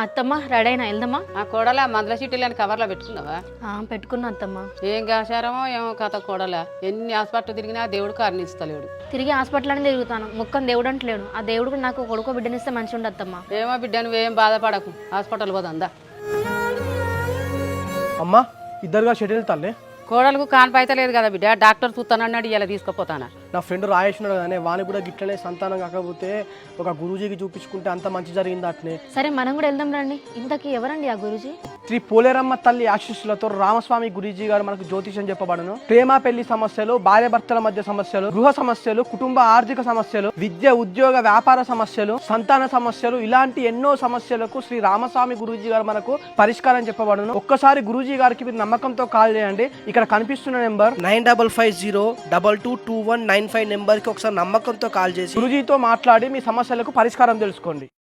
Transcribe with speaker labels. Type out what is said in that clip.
Speaker 1: అత్తమ్మ రెడీ అయినా వెళ్దామా?
Speaker 2: ఆ కోడల మందుల చీటీలని కవర్లో పెట్టుకున్నావా?
Speaker 1: పెట్టుకున్నా అత్తమ్మ.
Speaker 2: ఏం కాశారమో ఏమో కథ కోడల. ఎన్ని హాస్పిటల్ తిరిగినా దేవుడు కారణిస్తలేడు.
Speaker 1: తిరిగి హాస్పిటల్ అని తిరుగుతాను, మొక్కని దేవుడు అంటలేడు. ఆ దేవుడు నాకు కొడుకో బిడ్డనిస్తే మంచి ఉండదు అత్తమ్మ.
Speaker 2: ఏమో బిడ్డ నువ్వేం బాధపడకు, హాస్పిటల్ పోదా.
Speaker 3: అమ్మా ఇద్దరుగా షెడ్యూల్ తల్లే
Speaker 2: కోడలకు కాన్పైతే లేదు కదా బిడ్డ, డాక్టర్ చూస్తానన్నాడు, ఇలా తీసుకుపోతానా.
Speaker 3: నా ఫ్రెండ్ రాయేసినాడు కానీ వాని కూడా గిట్లనే సంతానం కాకపోతే ఒక గురూజీకి చూపించుకుంటే అంత మంచి జరిగింది అట్నే.
Speaker 1: సరే మనం కూడా వెళ్దాం రండి. ఇంతకీ ఎవరండి ఆ గురూజీ?
Speaker 3: శ్రీ పోలేరమ్మ తల్లి ఆశీస్సులతో రామస్వామి గురూజీ గారు మనకు జ్యోతిషం చెప్పబడను. ప్రేమ పెళ్లి సమస్యలు, భార్య భర్తల మధ్య సమస్యలు, గృహ సమస్యలు, కుటుంబ ఆర్థిక సమస్యలు, విద్య ఉద్యోగ వ్యాపార సమస్యలు, సంతాన సమస్యలు, ఇలాంటి ఎన్నో సమస్యలకు శ్రీ రామస్వామి గురూజీ గారు మనకు పరిష్కారం చెప్పబడను. ఒక్కసారి గురూజీ గారికి మీరు నమ్మకంతో కాల్ చేయండి. ఇక్కడ కనిపిస్తున్న నెంబర్
Speaker 4: 9550222195 నెంబర్కి ఒకసారి నమ్మకంతో కాల్ చేసి
Speaker 3: గురూజీతో మాట్లాడి మీ సమస్యలకు పరిష్కారం తెలుసుకోండి.